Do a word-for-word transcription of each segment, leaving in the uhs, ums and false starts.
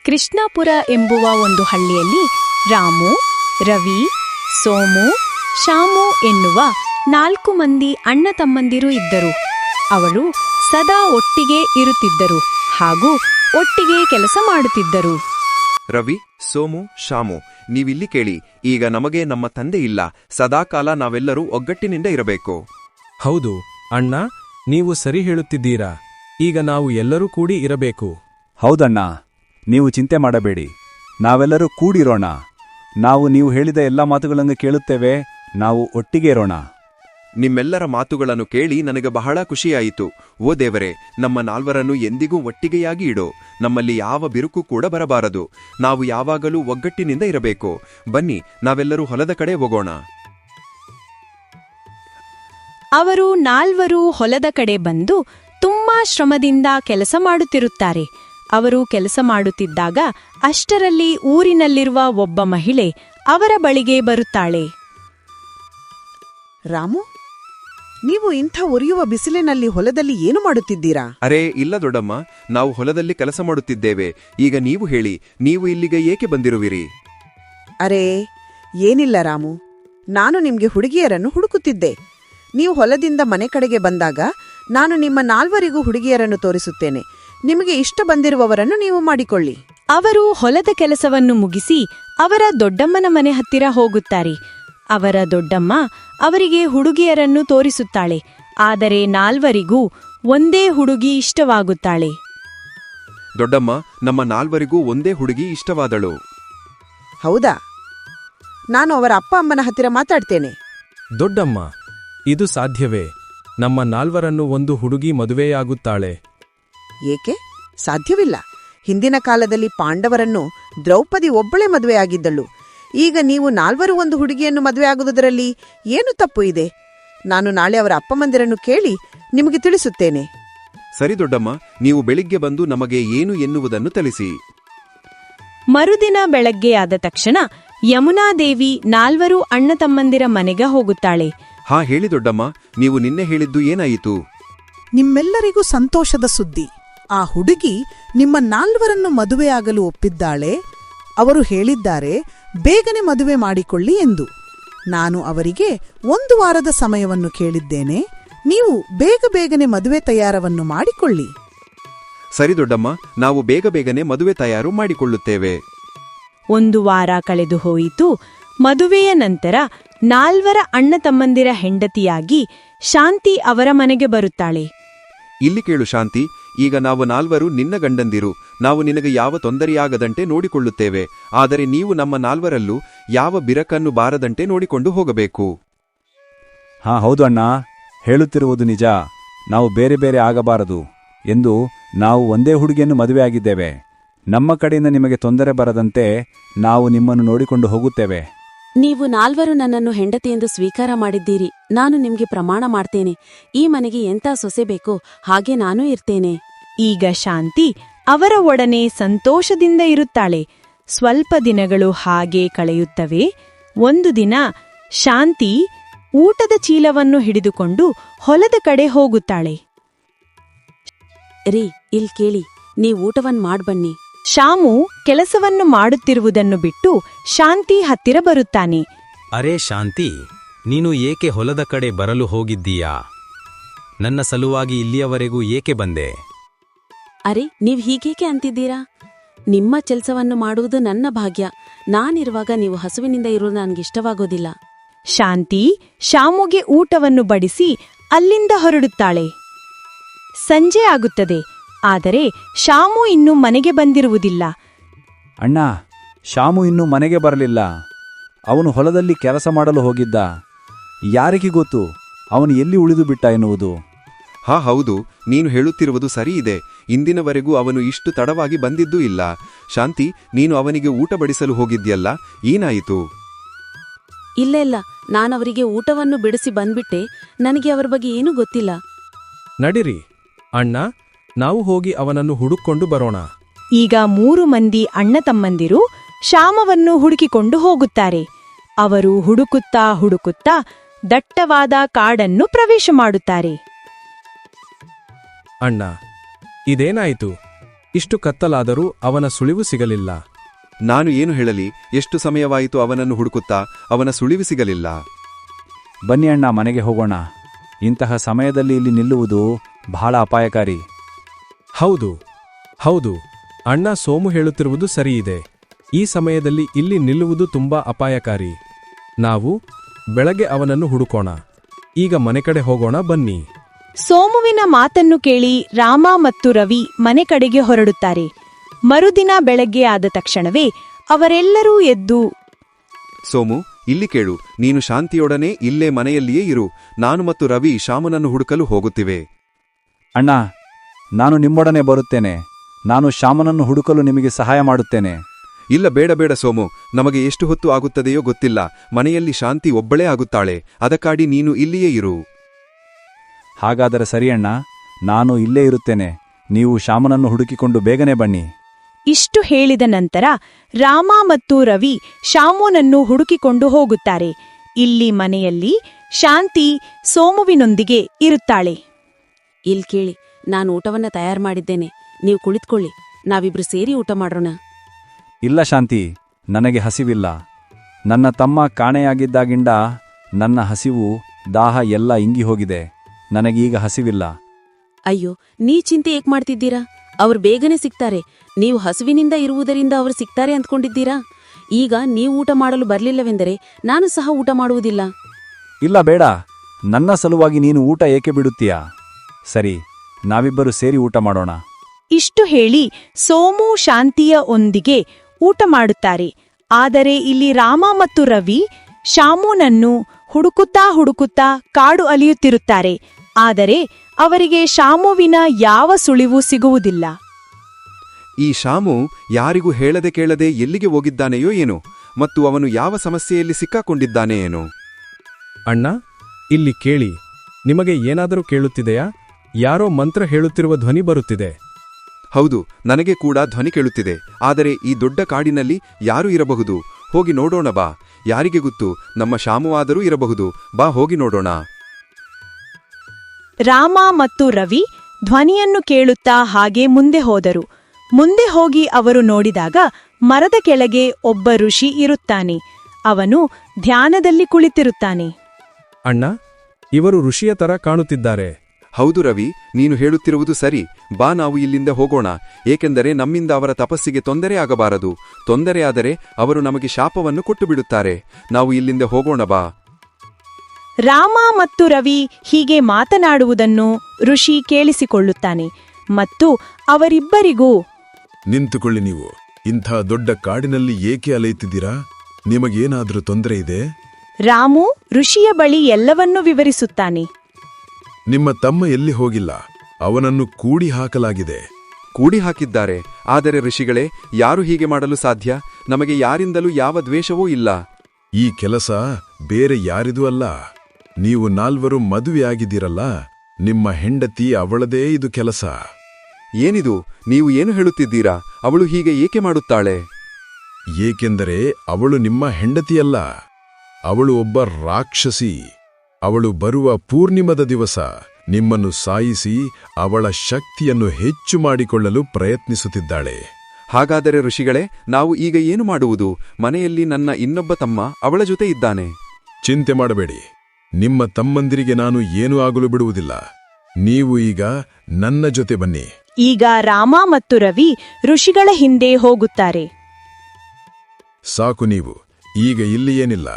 ಕೃಷ್ಣಾಪುರ ಎಂಬುವ ಒಂದು ಹಳ್ಳಿಯಲ್ಲಿ ರಾಮು, ರವಿ, ಸೋಮು, ಶಾಮು ಎನ್ನುವ ನಾಲ್ಕು ಮಂದಿ ಅಣ್ಣ ತಮ್ಮಂದಿರು ಇದ್ದರು. ಅವರು ಸದಾ ಒಟ್ಟಿಗೆ ಇರುತ್ತಿದ್ದರು ಹಾಗೂ ಒಟ್ಟಿಗೆ ಕೆಲಸ ಮಾಡುತ್ತಿದ್ದರು. ರವಿ, ಸೋಮು, ಶಾಮು, ನೀವಿಲ್ಲಿ ಕೇಳಿ. ಈಗ ನಮಗೆ ನಮ್ಮ ತಂದೆ ಇಲ್ಲ. ಸದಾಕಾಲ ನಾವೆಲ್ಲರೂ ಒಗ್ಗಟ್ಟಿನಿಂದ ಇರಬೇಕು. ಹೌದು ಅಣ್ಣ, ನೀವು ಸರಿ ಹೇಳುತ್ತಿದ್ದೀರಾ. ಈಗ ನಾವು ಎಲ್ಲರೂ ಕೂಡಿ ಇರಬೇಕು. ಹೌದಣ್ಣ, ನೀವು ಚಿಂತೆ ಮಾಡಬೇಡಿ. ನಾವೆಲ್ಲರೂ ಕೂಡಿರೋಣ. ನಾವು ನೀವು ಹೇಳಿದ ಎಲ್ಲ ಮಾತುಗಳನ್ನು ಕೇಳುತ್ತೇವೆ. ನಾವು ಒಟ್ಟಿಗೆ ಇರೋಣ. ನಿಮ್ಮೆಲ್ಲರ ಮಾತುಗಳನ್ನು ಕೇಳಿ ನನಗೆ ಬಹಳ ಖುಷಿಯಾಯಿತು. ಓ ದೇವರೇ, ನಮ್ಮ ನಾಲ್ವರನ್ನು ಎಂದಿಗೂ ಒಟ್ಟಿಗೆಯಾಗಿ ಇಡು. ನಮ್ಮಲ್ಲಿ ಯಾವ ಬಿರುಕು ಕೂಡ ಬರಬಾರದು. ನಾವು ಯಾವಾಗಲೂ ಒಗ್ಗಟ್ಟಿನಿಂದ ಇರಬೇಕು. ಬನ್ನಿ, ನಾವೆಲ್ಲರೂ ಹೊಲದ ಕಡೆ ಹೋಗೋಣ. ಅವರು ನಾಲ್ವರು ಹೊಲದ ಕಡೆ ಬಂದು ತುಂಬಾ ಶ್ರಮದಿಂದ ಕೆಲಸ ಮಾಡುತ್ತಿರುತ್ತಾರೆ. ಅವರು ಕೆಲಸ ಮಾಡುತ್ತಿದ್ದಾಗ ಅಷ್ಟರಲ್ಲಿ ಊರಿನಲ್ಲಿರುವ ಒಬ್ಬ ಮಹಿಳೆ ಅವರ ಬಳಿಗೆ ಬರುತ್ತಾಳೆ. ರಾಮು, ನೀವು ಇಂಥ ಉರಿಯುವ ಬಿಸಿಲಿನಲ್ಲಿ ಹೊಲದಲ್ಲಿ ಏನು ಮಾಡುತ್ತಿದ್ದೀರಾ? ಅರೇ ಇಲ್ಲ ದೊಡ್ಡಮ್ಮ, ನಾವು ಹೊಲದಲ್ಲಿ ಕೆಲಸ ಮಾಡುತ್ತಿದ್ದೇವೆ. ಈಗ ನೀವು ಹೇಳಿ, ನೀವು ಇಲ್ಲಿಗೆ ಏಕೆ ಬಂದಿರುವಿರಿ? ಅರೇ ಏನಿಲ್ಲ ರಾಮು, ನಾನು ನಿಮ್ಗೆ ಹುಡುಗಿಯರನ್ನು ಹುಡುಕುತ್ತಿದ್ದೆ. ನೀವು ಹೊಲದಿಂದ ಮನೆ ಕಡೆಗೆ ಬಂದಾಗ ನಾನು ನಿಮ್ಮ ನಾಲ್ವರಿಗೂ ಹುಡುಗಿಯರನ್ನು ತೋರಿಸುತ್ತೇನೆ. ನಿಮಗೆ ಇಷ್ಟ ಬಂದಿರುವವರನ್ನು ನೀವು ಮಾಡಿಕೊಳ್ಳಿ. ಅವರು ಹೊಲದ ಕೆಲಸವನ್ನು ಮುಗಿಸಿ ಅವರ ದೊಡ್ಡಮ್ಮನ ಮನೆ ಹತ್ತಿರ ಹೋಗುತ್ತಾರೆ. ಅವರ ದೊಡ್ಡಮ್ಮ ಅವರಿಗೆ ಹುಡುಗಿಯರನ್ನು ತೋರಿಸುತ್ತಾಳೆ. ಆದರೆ ನಾಲ್ವರಿಗೂ ಒಂದೇ ಹುಡುಗಿ ಇಷ್ಟವಾಗುತ್ತಾಳೆ. ದೊಡ್ಡಮ್ಮ, ನಮ್ಮ ನಾಲ್ವರಿಗೂ ಒಂದೇ ಹುಡುಗಿ ಇಷ್ಟವಾದಳು. ಹೌದಾ? ನಾನು ಅವರ ಅಪ್ಪ ಅಮ್ಮನ ಹತ್ತಿರ ಮಾತಾಡ್ತೇನೆ. ದೊಡ್ಡಮ್ಮ, ಇದು ಸಾಧ್ಯವೇ? ನಮ್ಮ ನಾಲ್ವರನ್ನು ಒಂದು ಹುಡುಗಿ ಮದುವೆಯಾಗುತ್ತಾಳೆ. ಏಕೆ ಸಾಧ್ಯವಿಲ್ಲ? ಹಿಂದಿನ ಕಾಲದಲ್ಲಿ ಪಾಂಡವರನ್ನು ದ್ರೌಪದಿ ಒಬ್ಬಳೇ ಮದುವೆಯಾಗಿದ್ದಳು. ಈಗ ನೀವು ನಾಲ್ವರು ಒಂದು ಹುಡುಗಿಯನ್ನು ಮದುವೆಯಾಗುವುದರಲ್ಲಿ ಏನು ತಪ್ಪು ಇದೆ? ನಾನು ನಾಳೆ ಅವರ ಅಪ್ಪಮಂದಿರನ್ನು ಕೇಳಿ ನಿಮಗೆ ತಿಳಿಸುತ್ತೇನೆ. ಸರಿ ದೊಡ್ಡಮ್ಮ, ನೀವು ಬೆಳಿಗ್ಗೆ ಬಂದು ನಮಗೆ ಏನು ಎನ್ನುವುದನ್ನು ತಿಳಿಸಿ. ಮರುದಿನ ಬೆಳಗ್ಗೆ ಆದ ತಕ್ಷಣ ಯಮುನಾದೇವಿ ನಾಲ್ವರು ಅಣ್ಣ ತಮ್ಮಂದಿರ ಮನೆಗೆ ಹೋಗುತ್ತಾಳೆ. ಹಾ ಹೇಳಿ ದೊಡ್ಡಮ್ಮ, ನೀವು ನಿನ್ನೆ ಹೇಳಿದ್ದು ಏನಾಯಿತು? ನಿಮ್ಮೆಲ್ಲರಿಗೂ ಸಂತೋಷದ ಸುದ್ದಿ. ಆ ಹುಡುಗಿ ನಿಮ್ಮ ನಾಲ್ವರನ್ನು ಮದುವೆಯಾಗಲು ಒಪ್ಪಿದ್ದಾಳೆ. ಅವರು ಹೇಳಿದ್ದಾರೆ ಬೇಗನೆ ಮದುವೆ ಮಾಡಿಕೊಳ್ಳಿ ಎಂದು. ನಾನು ಅವರಿಗೆ ಒಂದು ವಾರದ ಸಮಯವನ್ನು ಕೇಳಿದ್ದೇನೆ. ನೀವು ಬೇಗ ಬೇಗನೆ ಮದುವೆ ತಯಾರವನ್ನು ಮಾಡಿಕೊಳ್ಳಿ. ಸರಿ ದೊಡ್ಡಮ್ಮ, ನಾವು ಬೇಗ ಬೇಗನೆ ಮದುವೆ ತಯಾರು ಮಾಡಿಕೊಳ್ಳುತ್ತೇವೆ. ಒಂದು ವಾರ ಕಳೆದು ಹೋಯಿತು. ಮದುವೆಯ ನಂತರ ನಾಲ್ವರ ಅಣ್ಣ ತಮ್ಮಂದಿರ ಹೆಂಡತಿಯಾಗಿ ಶಾಂತಿ ಅವರ ಮನೆಗೆ ಬರುತ್ತಾಳೆ. ಇಲ್ಲಿ ಕೇಳು ಶಾಂತಿ, ಈಗ ನಾವು ನಾಲ್ವರು ನಿನ್ನ ಗಂಡಂದಿರು. ನಾವು ನಿನಗೆ ಯಾವ ತೊಂದರೆಯಾಗದಂತೆ ನೋಡಿಕೊಳ್ಳುತ್ತೇವೆ. ಆದರೆ ನೀವು ನಮ್ಮ ನಾಲ್ವರಲ್ಲೂ ಯಾವ ಬಿರಕನ್ನು ಬಾರದಂತೆ ನೋಡಿಕೊಂಡು ಹೋಗಬೇಕು. ಹಾ ಹೌದು ಅಣ್ಣ, ಹೇಳುತ್ತಿರುವುದು ನಿಜ. ನಾವು ಬೇರೆ ಬೇರೆ ಆಗಬಾರದು ಎಂದು ನಾವು ಒಂದೇ ಹುಡುಗಿಯನ್ನು ಮದುವೆಯಾಗಿದ್ದೇವೆ. ನಮ್ಮ ಕಡೆಯಿಂದ ನಿಮಗೆ ತೊಂದರೆ ಬರದಂತೆ ನಾವು ನಿಮ್ಮನ್ನು ನೋಡಿಕೊಂಡು ಹೋಗುತ್ತೇವೆ. ನೀವು ನಾಲ್ವರು ನನ್ನನ್ನು ಹೆಂಡತಿಯೆಂದು ಸ್ವೀಕಾರ ಮಾಡಿದ್ದೀರಿ. ನಾನು ನಿಮ್ಗೆ ಪ್ರಮಾಣ ಮಾಡ್ತೇನೆ, ಈ ಮನೆಗೆ ಎಂಥ ಸೊಸೆ ಬೇಕೋ ಹಾಗೆ ನಾನೂ ಇರ್ತೇನೆ. ಈಗ ಶಾಂತಿ ಅವರ ಒಡನೆ ಸಂತೋಷದಿಂದ ಇರುತ್ತಾಳೆ. ಸ್ವಲ್ಪ ದಿನಗಳು ಹಾಗೆ ಕಳೆಯುತ್ತವೆ. ಒಂದು ದಿನ ಶಾಂತಿ ಊಟದ ಚೀಲವನ್ನು ಹಿಡಿದುಕೊಂಡು ಹೊಲದ ಕಡೆ ಹೋಗುತ್ತಾಳೆ. ರೀ, ಇಲ್ ಕೇಳಿ, ನೀವ್ ಊಟವನ್ ಮಾಡ್ಬನ್ನಿ. ಶಾಮು ಕೆಲಸವನ್ನು ಮಾಡುತ್ತಿರುವುದನ್ನು ಬಿಟ್ಟು ಶಾಂತಿ ಹತ್ತಿರ ಬರುತ್ತಾನೆ. ಅರೇ ಶಾಂತಿ, ನೀನು ಏಕೆ ಹೊಲದ ಕಡೆ ಬರಲು ಹೋಗಿದ್ದೀಯಾ? ನನ್ನ ಸಲುವಾಗಿ ಇಲ್ಲಿಯವರೆಗೂ ಏಕೆ ಬಂದೆ? ಅರೆ, ನೀವ್ ಹೀಗೇಕೆ ಅಂತಿದ್ದೀರಾ? ನಿಮ್ಮ ಕೆಲಸವನ್ನು ಮಾಡುವುದು ನನ್ನ ಭಾಗ್ಯ. ನಾನಿರುವಾಗ ನೀವು ಹಸುವಿನಿಂದ ಇರುವುದು ನನಗಿಷ್ಟವಾಗೋದಿಲ್ಲ. ಶಾಂತಿ ಶಾಮುಗೆ ಊಟವನ್ನು ಬಡಿಸಿ ಅಲ್ಲಿಂದ ಹೊರಡುತ್ತಾಳೆ. ಸಂಜೆ ಆಗುತ್ತದೆ. ಆದರೆ ಶಾಮು ಇನ್ನೂ ಮನೆಗೆ ಬಂದಿರುವುದಿಲ್ಲ. ಅಣ್ಣ, ಶಾಮು ಇನ್ನೂ ಮನೆಗೆ ಬರಲಿಲ್ಲ. ಅವನು ಹೊಲದಲ್ಲಿ ಕೆಲಸ ಮಾಡಲು ಹೋಗಿದ್ದ. ಯಾರಿಗೆ ಗೊತ್ತು ಅವನು ಎಲ್ಲಿ ಉಳಿದು ಬಿಟ್ಟ ಎನ್ನುವುದು. ಹಾ ಹೌದು, ನೀನು ಹೇಳುತ್ತಿರುವುದು ಸರಿ ಇದೆ. ಇಂದಿನವರೆಗೂ ಅವನು ಇಷ್ಟು ತಡವಾಗಿ ಬಂದಿದ್ದೂ ಇಲ್ಲ. ಶಾಂತಿ, ನೀನು ಅವನಿಗೆ ಊಟ ಬಡಿಸಲು ಹೋಗಿದ್ಯಲ್ಲ, ಏನಾಯಿತು? ಇಲ್ಲ ಇಲ್ಲ, ನಾನವರಿಗೆ ಊಟವನ್ನು ಬಿಡಿಸಿ ಬಂದ್ಬಿಟ್ಟೆ. ನನಗೆ ಅವರ ಬಗ್ಗೆ ಏನೂ ಗೊತ್ತಿಲ್ಲ. ನಡಿರಿ ಅಣ್ಣ, ನಾವು ಹೋಗಿ ಅವನನ್ನು ಹುಡುಕೊಂಡು ಬರೋಣ. ಈಗ ಮೂರು ಮಂದಿ ಅಣ್ಣ ತಮ್ಮಂದಿರು ಶಾಮವನ್ನು ಹುಡುಕಿಕೊಂಡು ಹೋಗುತ್ತಾರೆ. ಅವರು ಹುಡುಕುತ್ತಾ ಹುಡುಕುತ್ತಾ ದಟ್ಟವಾದ ಕಾಡನ್ನು ಪ್ರವೇಶ ಮಾಡುತ್ತಾರೆ. ಅಣ್ಣ, ಇದೇನಾಯಿತು? ಇಷ್ಟು ಕತ್ತಲಾದರೂ ಅವನ ಸುಳಿವು ಸಿಗಲಿಲ್ಲ. ನಾನು ಏನು ಹೇಳಲಿ, ಎಷ್ಟು ಸಮಯವಾಯಿತು ಅವನನ್ನು ಹುಡುಕುತ್ತಾ, ಅವನ ಸುಳಿವು ಸಿಗಲಿಲ್ಲ. ಬನ್ನಿ ಅಣ್ಣ, ಮನೆಗೆ ಹೋಗೋಣ. ಇಂತಹ ಸಮಯದಲ್ಲಿ ಇಲ್ಲಿ ನಿಲ್ಲುವುದು ಬಹಳ ಅಪಾಯಕಾರಿ. ಹೌದು ಹೌದು ಅಣ್ಣ, ಸೋಮು ಹೇಳುತ್ತಿರುವುದು ಸರಿಯಿದೆ. ಈ ಸಮಯದಲ್ಲಿ ಇಲ್ಲಿ ನಿಲ್ಲುವುದು ತುಂಬಾ ಅಪಾಯಕಾರಿ. ನಾವು ಬೆಳಗ್ಗೆ ಅವನನ್ನು ಹುಡುಕೋಣ. ಈಗ ಮನೆ ಕಡೆ ಹೋಗೋಣ ಬನ್ನಿ. ಸೋಮುವಿನ ಮಾತನ್ನು ಕೇಳಿ ರಾಮ ಮತ್ತು ರವಿ ಮನೆ ಕಡೆಗೆ ಹೊರಡುತ್ತಾರೆ. ಮರುದಿನ ಬೆಳಗ್ಗೆ ಆದ ತಕ್ಷಣವೇ ಅವರೆಲ್ಲರೂ ಎದ್ದು, ಸೋಮು, ಇಲ್ಲಿ ಕೇಳು, ನೀನು ಶಾಂತಿಯೊಡನೆ ಇಲ್ಲೇ ಮನೆಯಲ್ಲಿಯೇ ಇರು. ನಾನು ಮತ್ತು ರವಿ ಶಾಮನನ್ನು ಹುಡುಕಲು ಹೋಗುತ್ತಿವೆ. ಅಣ್ಣ, ನಾನು ನಿಮ್ಮೊಡನೆ ಬರುತ್ತೇನೆ. ನಾನು ಶ್ಯಾಮನನ್ನು ಹುಡುಕಲು ನಿಮಗೆ ಸಹಾಯ ಮಾಡುತ್ತೇನೆ. ಇಲ್ಲ, ಬೇಡ ಬೇಡ ಸೋಮು, ನಮಗೆ ಎಷ್ಟು ಹೊತ್ತು ಆಗುತ್ತದೆಯೋ ಗೊತ್ತಿಲ್ಲ. ಮನೆಯಲ್ಲಿ ಶಾಂತಿ ಒಬ್ಬಳೇ ಆಗುತ್ತಾಳೆ. ಅದಕ್ಕಾಗಿ ನೀನು ಇಲ್ಲಿಯೇ ಇರು. ಹಾಗಾದರೆ ಸರಿ ಅಣ್ಣ, ನಾನು ಇಲ್ಲೇ ಇರುತ್ತೇನೆ. ನೀವು ಶ್ಯಾಮನನ್ನು ಹುಡುಕಿಕೊಂಡು ಬೇಗನೆ ಬನ್ನಿ. ಇಷ್ಟು ಹೇಳಿದ ನಂತರ ರಾಮ ಮತ್ತು ರವಿ ಶಾಮುನನ್ನು ಹುಡುಕಿಕೊಂಡು ಹೋಗುತ್ತಾರೆ. ಇಲ್ಲಿ ಮನೆಯಲ್ಲಿ ಶಾಂತಿ ಸೋಮುವಿನೊಂದಿಗೆ ಇರುತ್ತಾಳೆ. ಇಲ್ ಕೇಳಿ, ನಾನು ಊಟವನ್ನ ತಯಾರು ಮಾಡಿದ್ದೇನೆ. ನೀವು ಕುಳಿತುಕೊಳ್ಳಿ, ನಾವಿಬ್ರು ಸೇರಿ ಊಟ ಮಾಡೋಣ. ಇಲ್ಲ ಶಾಂತಿ, ನನಗೆ ಹಸಿವಿಲ್ಲ. ನನ್ನ ತಮ್ಮ ಕಾಣೆಯಾಗಿದ್ದಾಗಿಂದ ನನ್ನ ಹಸಿವು ದಾಹ ಎಲ್ಲ ಇಂಗಿ ಹೋಗಿದೆ. ನನಗೀಗ ಹಸಿವಿಲ್ಲ. ಅಯ್ಯೋ, ನೀ ಚಿಂತೆ ಏಕ್ ಮಾಡ್ತಿದ್ದೀರಾ? ಅವ್ರು ಬೇಗನೆ ಸಿಗ್ತಾರೆ. ನೀವು ಹಸುವಿನಿಂದ ಇರುವುದರಿಂದ ಅವರು ಸಿಗ್ತಾರೆ ಅಂದ್ಕೊಂಡಿದ್ದೀರಾ? ಈಗ ನೀವು ಊಟ ಮಾಡಲು ಬರಲಿಲ್ಲವೆಂದರೆ ನಾನು ಸಹ ಊಟ ಮಾಡುವುದಿಲ್ಲ. ಇಲ್ಲ, ಬೇಡ. ನನ್ನ ಸಲುವಾಗಿ ನೀನು ಊಟ ಏಕೆ ಬಿಡುತ್ತೀಯಾ? ಸರಿ, ನಾವಿಬ್ಬರು ಸೇರಿ ಊಟ ಮಾಡೋಣ. ಇಷ್ಟು ಹೇಳಿ ಸೋಮು ಶಾಂತಿಯ ಒಂದಿಗೆ ಊಟ ಮಾಡುತ್ತಾರೆ. ಆದರೆ ಇಲ್ಲಿ ರಾಮ ಮತ್ತು ರವಿ ಶಾಮುನನ್ನು ಹುಡುಕುತ್ತಾ ಹುಡುಕುತ್ತಾ ಕಾಡು ಅಲಿಯುತ್ತಿರುತ್ತಾರೆ. ಆದರೆ ಅವರಿಗೆ ಶಾಮುವಿನ ಯಾವ ಸುಳಿವು ಸಿಗುವುದಿಲ್ಲ. ಈ ಶಾಮು ಯಾರಿಗೂ ಹೇಳದೆ ಕೇಳದೆ ಎಲ್ಲಿಗೆ ಹೋಗಿದ್ದಾನೆಯೋ ಏನೋ, ಮತ್ತು ಅವನು ಯಾವ ಸಮಸ್ಯೆಯಲ್ಲಿ ಸಿಕ್ಕಾಕೊಂಡಿದ್ದಾನೆ ಏನೋ. ಅಣ್ಣ, ಇಲ್ಲಿ ಕೇಳಿ. ನಿಮಗೆ ಏನಾದರೂ ಕೇಳುತ್ತಿದೆಯಾ? ಯಾರೋ ಮಂತ್ರ ಹೇಳುತ್ತಿರುವ ಧ್ವನಿ ಬರುತ್ತಿದೆ. ಹೌದು, ನನಗೆ ಕೂಡ ಧ್ವನಿ ಕೇಳುತ್ತಿದೆ. ಆದರೆ ಈ ದೊಡ್ಡ ಕಾಡಿನಲ್ಲಿ ಯಾರು ಇರಬಹುದು? ಹೋಗಿ ನೋಡೋಣ ಬಾ. ಯಾರಿಗೆ ಗೊತ್ತು, ನಮ್ಮ ಶಾಮುವಾದರೂ ಇರಬಹುದು. ಬಾ, ಹೋಗಿ ನೋಡೋಣ. ರಾಮ ಮತ್ತು ರವಿ ಧ್ವನಿಯನ್ನು ಕೇಳುತ್ತಾ ಹಾಗೆ ಮುಂದೆ ಹೋದರು. ಮುಂದೆ ಹೋಗಿ ಅವರು ನೋಡಿದಾಗ ಮರದ ಕೆಳಗೆ ಒಬ್ಬ ಋಷಿ ಇರುತ್ತಾನೆ. ಅವನು ಧ್ಯಾನದಲ್ಲಿ ಕುಳಿತಿರುತ್ತಾನೆ. ಅಣ್ಣ, ಇವರು ಋಷಿಯ ತರ ಕಾಣುತ್ತಿದ್ದಾರೆ. ಹೌದು ರವಿ, ನೀನು ಹೇಳುತ್ತಿರುವುದು ಸರಿ. ಬಾ, ನಾವು ಇಲ್ಲಿಂದ ಹೋಗೋಣ. ಏಕೆಂದರೆ ನಮ್ಮಿಂದ ಅವರ ತಪಸ್ಸಿಗೆ ತೊಂದರೆ ಆಗಬಾರದು. ತೊಂದರೆಯಾದರೆ ಅವರು ನಮಗೆ ಶಾಪವನ್ನು ಕೊಟ್ಟು ಬಿಡುತ್ತಾರೆ. ನಾವು ಇಲ್ಲಿಂದ ಹೋಗೋಣ ಬಾ. ರಾಮ ಮತ್ತು ರವಿ ಹೀಗೆ ಮಾತನಾಡುವುದನ್ನು ಋಷಿ ಕೇಳಿಸಿಕೊಳ್ಳುತ್ತಾನೆ ಮತ್ತು ಅವರಿಬ್ಬರಿಗೂ, ನಿಂತುಕೊಳ್ಳಿ. ನೀವು ಇಂಥ ದೊಡ್ಡ ಕಾಡಿನಲ್ಲಿ ಏಕೆ ಅಲೆಯುತ್ತಿದ್ದೀರಾ? ನಿಮಗೇನಾದ್ರೂ ತೊಂದರೆ ಇದೆ? ರಾಮು ಋಷಿಯ ಬಳಿ ಎಲ್ಲವನ್ನೂ ವಿವರಿಸುತ್ತಾನೆ. ನಿಮ್ಮ ತಮ್ಮ ಎಲ್ಲಿ ಹೋಗಿಲ್ಲ, ಅವನನ್ನು ಕೂಡಿ ಹಾಕಲಾಗಿದೆ. ಕೂಡಿ ಹಾಕಿದ್ದಾರೆ. ಆದರೆ ಋಷಿಗಳೇ, ಯಾರು ಹೀಗೆ ಮಾಡಲು ಸಾಧ್ಯ? ನಮಗೆ ಯಾರಿಂದಲೂ ಯಾವ ದ್ವೇಷವೂ ಇಲ್ಲ. ಈ ಕೆಲಸ ಬೇರೆ ಯಾರಿದೂ ಅಲ್ಲ. ನೀವು ನಾಲ್ವರು ಮದುವೆಯಾಗಿದ್ದೀರಲ್ಲ, ನಿಮ್ಮ ಹೆಂಡತಿ ಅವಳದೇ ಇದು ಕೆಲಸ. ಏನಿದು? ನೀವು ಏನು ಹೇಳುತ್ತಿದ್ದೀರಾ? ಅವಳು ಹೀಗೆ ಏಕೆ ಮಾಡುತ್ತಾಳೆ? ಏಕೆಂದರೆ ಅವಳು ನಿಮ್ಮ ಹೆಂಡತಿಯಲ್ಲ, ಅವಳು ಒಬ್ಬ ರಾಕ್ಷಸಿ. ಅವಳು ಬರುವ ಪೂರ್ಣಿಮದ ದಿವಸ ನಿಮ್ಮನ್ನು ಸಾಯಿಸಿ ಅವಳ ಶಕ್ತಿಯನ್ನು ಹೆಚ್ಚು ಮಾಡಿಕೊಳ್ಳಲು ಪ್ರಯತ್ನಿಸುತ್ತಿದ್ದಾಳೆ. ಹಾಗಾದರೆ ಋಷಿಗಳೇ, ನಾವು ಈಗ ಏನು ಮಾಡುವುದು? ಮನೆಯಲ್ಲಿ ನನ್ನ ಇನ್ನೊಬ್ಬ ತಮ್ಮ ಅವಳ ಜೊತೆ ಇದ್ದಾನೆ. ಚಿಂತೆ ಮಾಡಬೇಡಿ, ನಿಮ್ಮ ತಮ್ಮಂದಿರಿಗೆ ನಾನು ಏನೂ ಆಗಲು ಬಿಡುವುದಿಲ್ಲ. ನೀವು ಈಗ ನನ್ನ ಜೊತೆ ಬನ್ನಿ. ಈಗ ರಾಮ ಮತ್ತು ರವಿ ಋಷಿಗಳ ಹಿಂದೆ ಹೋಗುತ್ತಾರೆ. ಸಾಕು, ನೀವು ಈಗ ಇಲ್ಲಿ ಏನಿಲ್ಲ.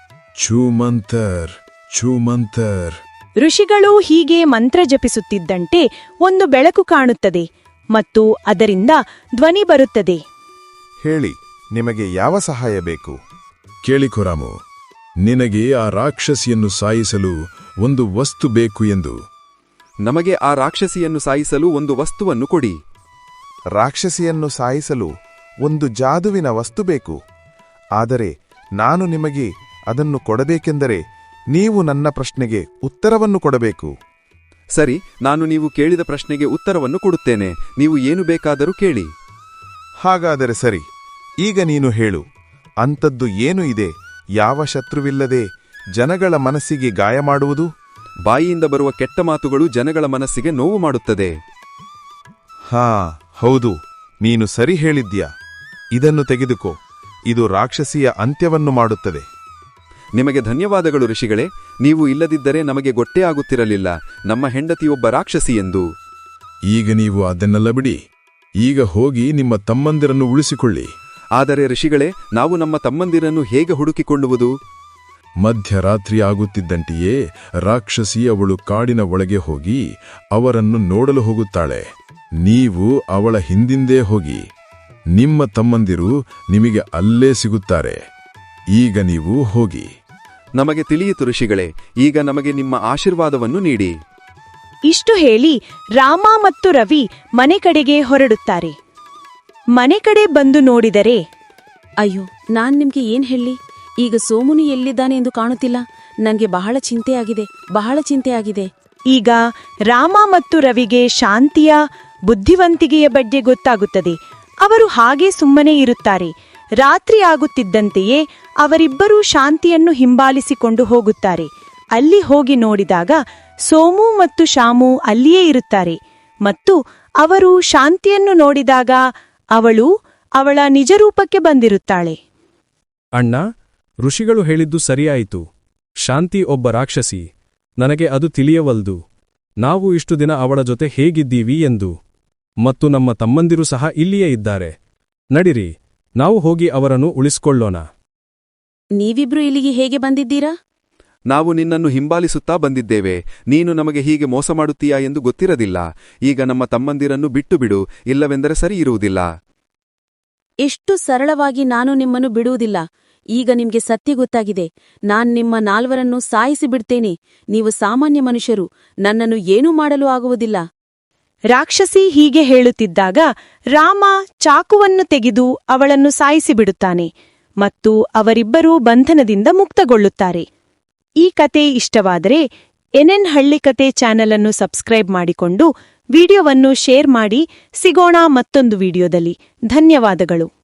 ಛೂಮಂತರ್ ಛೂಮಂತರ್. ಋಷಿಗಳು ಹೀಗೆ ಮಂತ್ರ ಜಪಿಸುತ್ತಿದ್ದಂತೆ ಒಂದು ಬೆಳಕು ಕಾಣುತ್ತದೆ ಮತ್ತು ಅದರಿಂದ ಧ್ವನಿ ಬರುತ್ತದೆ. ಹೇಳಿ, ನಿಮಗೆ ಯಾವ ಸಹಾಯ ಬೇಕು? ಕೇಳಿಕೊ ರಾಮು, ನಿನಗೆ ಆ ರಾಕ್ಷಸಿಯನ್ನು ಸಾಯಿಸಲು ಒಂದು ವಸ್ತು ಬೇಕು ಎಂದು. ನಮಗೆ ಆ ರಾಕ್ಷಸಿಯನ್ನು ಸಾಯಿಸಲು ಒಂದು ವಸ್ತುವನ್ನು ಕೊಡಿ. ರಾಕ್ಷಸಿಯನ್ನು ಸಾಯಿಸಲು ಒಂದು ಜಾದುವಿನ ವಸ್ತು ಬೇಕು. ಆದರೆ ನಾನು ನಿಮಗೆ ಅದನ್ನು ಕೊಡಬೇಕೆಂದರೆ ನೀವು ನನ್ನ ಪ್ರಶ್ನೆಗೆ ಉತ್ತರವನ್ನು ಕೊಡಬೇಕು. ಸರಿ, ನಾನು ನೀವು ಕೇಳಿದ ಪ್ರಶ್ನೆಗೆ ಉತ್ತರವನ್ನು ಕೊಡುತ್ತೇನೆ. ನೀವು ಏನು ಬೇಕಾದರೂ ಕೇಳಿ. ಹಾಗಾದರೆ ಸರಿ, ಈಗ ನೀನು ಹೇಳು. ಅಂಥದ್ದು ಏನು ಇದೆ ಯಾವ ಶತ್ರುವಿಲ್ಲದೆ ಜನಗಳ ಮನಸ್ಸಿಗೆ ಗಾಯ ಮಾಡುವುದು? ಬಾಯಿಯಿಂದ ಬರುವ ಕೆಟ್ಟ ಮಾತುಗಳು ಜನಗಳ ಮನಸ್ಸಿಗೆ ನೋವು ಮಾಡುತ್ತದೆ. ಹಾ, ಹೌದು. ನೀನು ಸರಿ ಹೇಳಿದ್ಯಾ. ಇದನ್ನು ತೆಗೆದುಕೋ. ಇದು ರಾಕ್ಷಸಿಯ ಅಂತ್ಯವನ್ನು ಮಾಡುತ್ತದೆ. ನಿಮಗೆ ಧನ್ಯವಾದಗಳು ಋಷಿಗಳೇ. ನೀವು ಇಲ್ಲದಿದ್ದರೆ ನಮಗೆ ಗೊತ್ತೇ ಆಗುತ್ತಿರಲಿಲ್ಲ ನಮ್ಮ ಹೆಂಡತಿಯೊಬ್ಬ ರಾಕ್ಷಸಿ ಎಂದು. ಈಗ ನೀವು ಅದನ್ನೆಲ್ಲ ಬಿಡಿ. ಈಗ ಹೋಗಿ ನಿಮ್ಮ ತಮ್ಮಂದಿರನ್ನು ಉಳಿಸಿಕೊಳ್ಳಿ. ಆದರೆ ಋಷಿಗಳೇ, ನಾವು ನಮ್ಮ ತಮ್ಮಂದಿರನ್ನು ಹೇಗೆ ಹುಡುಕಿಕೊಳ್ಳುವುದು? ಮಧ್ಯರಾತ್ರಿ ಆಗುತ್ತಿದ್ದಂತೆಯೇ ರಾಕ್ಷಸಿ ಅವಳು ಕಾಡಿನ ಒಳಗೆ ಹೋಗಿ ಅವರನ್ನು ನೋಡಲು ಹೋಗುತ್ತಾಳೆ. ನೀವು ಅವಳ ಹಿಂದಿಂದೇ ಹೋಗಿ. ನಿಮ್ಮ ತಮ್ಮಂದಿರು ನಿಮಗೆ ಅಲ್ಲೇ ಸಿಗುತ್ತಾರೆ. ಈಗ ನೀವು ಹೋಗಿ. ನಮಗೆ ತಿಳಿಯಿತು ಋಷಿಗಳೇ. ಈಗ ನಮಗೆ ನಿಮ್ಮ ಆಶೀರ್ವಾದವನ್ನು ನೀಡಿ. ಇಷ್ಟು ಹೇಳಿ ರಾಮ ಮತ್ತು ರವಿ ಮನೆ ಕಡೆಗೆ ಹೊರಡುತ್ತಾರೆ. ಮನೆ ಕಡೆ ಬಂದು ನೋಡಿದರೆ, ಅಯ್ಯೋ, ನಾನ್ ನಿಮ್ಗೆ ಏನ್ ಹೇಳಿ? ಈಗ ಸೋಮುನು ಎಲ್ಲಿದ್ದಾನೆ ಎಂದು ಕಾಣುತ್ತಿಲ್ಲ. ನನ್ಗೆ ಬಹಳ ಚಿಂತೆಯಾಗಿದೆ, ಬಹಳ ಚಿಂತೆಯಾಗಿದೆ. ಈಗ ರಾಮ ಮತ್ತು ರವಿಗೆ ಶಾಂತಿಯ ಬುದ್ಧಿವಂತಿಕೆಯ ಬಗ್ಗೆ ಗೊತ್ತಾಗುತ್ತದೆ. ಅವರು ಹಾಗೆ ಸುಮ್ಮನೆ ಇರುತ್ತಾರೆ. ರಾತ್ರಿ ಆಗುತ್ತಿದ್ದಂತೆಯೇ ಅವರಿಬ್ಬರೂ ಶಾಂತಿಯನ್ನು ಹಿಂಬಾಲಿಸಿಕೊಂಡು ಹೋಗುತ್ತಾರೆ. ಅಲ್ಲಿ ಹೋಗಿ ನೋಡಿದಾಗ ಸೋಮು ಮತ್ತು ಶಾಮು ಅಲ್ಲಿಯೇ ಇರುತ್ತಾರೆ. ಮತ್ತು ಅವರು ಶಾಂತಿಯನ್ನು ನೋಡಿದಾಗ ಅವಳು ಅವಳ ನಿಜರೂಪಕ್ಕೆ ಬಂದಿರುತ್ತಾಳೆ. ಅಣ್ಣ, ಋಷಿಗಳು ಹೇಳಿದ್ದು ಸರಿಯಾಯಿತು. ಶಾಂತಿ ಒಬ್ಬ ರಾಕ್ಷಸಿ. ನನಗೆ ಅದು ತಿಳಿಯವಲ್ದು. ನಾವು ಇಷ್ಟು ದಿನ ಅವಳ ಜೊತೆ ಹೇಗಿದ್ದೀವಿ ಎಂದು. ಮತ್ತು ನಮ್ಮ ತಮ್ಮಂದಿರು ಸಹ ಇಲ್ಲಿಯೇ ಇದ್ದಾರೆ. ನಡಿರಿ, ನಾವು ಹೋಗಿ ಅವರನ್ನು ಉಳಿಸಿಕೊಳ್ಳೋಣ. ನೀವಿಬ್ರು ಇಲ್ಲಿಗೆ ಹೇಗೆ ಬಂದಿದ್ದೀರಾ? ನಾವು ನಿನ್ನನ್ನು ಹಿಂಬಾಲಿಸುತ್ತಾ ಬಂದಿದ್ದೇವೆ. ನೀನು ನಮಗೆ ಹೀಗೆ ಮೋಸ ಮಾಡುತ್ತೀಯಾ ಎಂದು ಗೊತ್ತಿರದಿಲ್ಲ. ಈಗ ನಮ್ಮ ತಮ್ಮಂದಿರನ್ನು ಬಿಟ್ಟು ಬಿಡು, ಇಲ್ಲವೆಂದರೆ ಸರಿ ಇರುವುದಿಲ್ಲ. ಎಷ್ಟು ಸರಳವಾಗಿ ನಾನು ನಿಮ್ಮನ್ನು ಬಿಡುವುದಿಲ್ಲ. ಈಗ ನಿಮ್ಗೆ ಸತ್ಯ ಗೊತ್ತಾಗಿದೆ. ನಾನ್ ನಿಮ್ಮ ನಾಲ್ವರನ್ನು ಸಾಯಿಸಿ ಬಿಡ್ತೇನೆ. ನೀವು ಸಾಮಾನ್ಯ ಮನುಷ್ಯರು. ನನ್ನನ್ನು ಏನೂ ಮಾಡಲು ಆಗುವುದಿಲ್ಲ. ರಾಕ್ಷಸಿ ಹೀಗೆ ಹೇಳುತ್ತಿದ್ದಾಗ ರಾಮ ಚಾಕುವನ್ನು ತೆಗೆದು ಅವಳನ್ನು ಸಾಯಿಸಿಬಿಡುತ್ತಾನೆ ಮತ್ತು ಅವರಿಬ್ಬರೂ ಬಂಧನದಿಂದ ಮುಕ್ತಗೊಳ್ಳುತ್ತಾರೆ. ಈ ಕತೆ ಇಷ್ಟವಾದರೆ ಎನ್ಎನ್ ಹಳ್ಳಿಕತೆ ಚಾನೆಲ್ ಅನ್ನು ಸಬ್ಸ್ಕ್ರೈಬ್ ಮಾಡಿಕೊಂಡು ವಿಡಿಯೋವನ್ನು ಶೇರ್ ಮಾಡಿ. ಸಿಗೋಣ ಮತ್ತೊಂದು ವಿಡಿಯೋದಲ್ಲಿ. ಧನ್ಯವಾದಗಳು.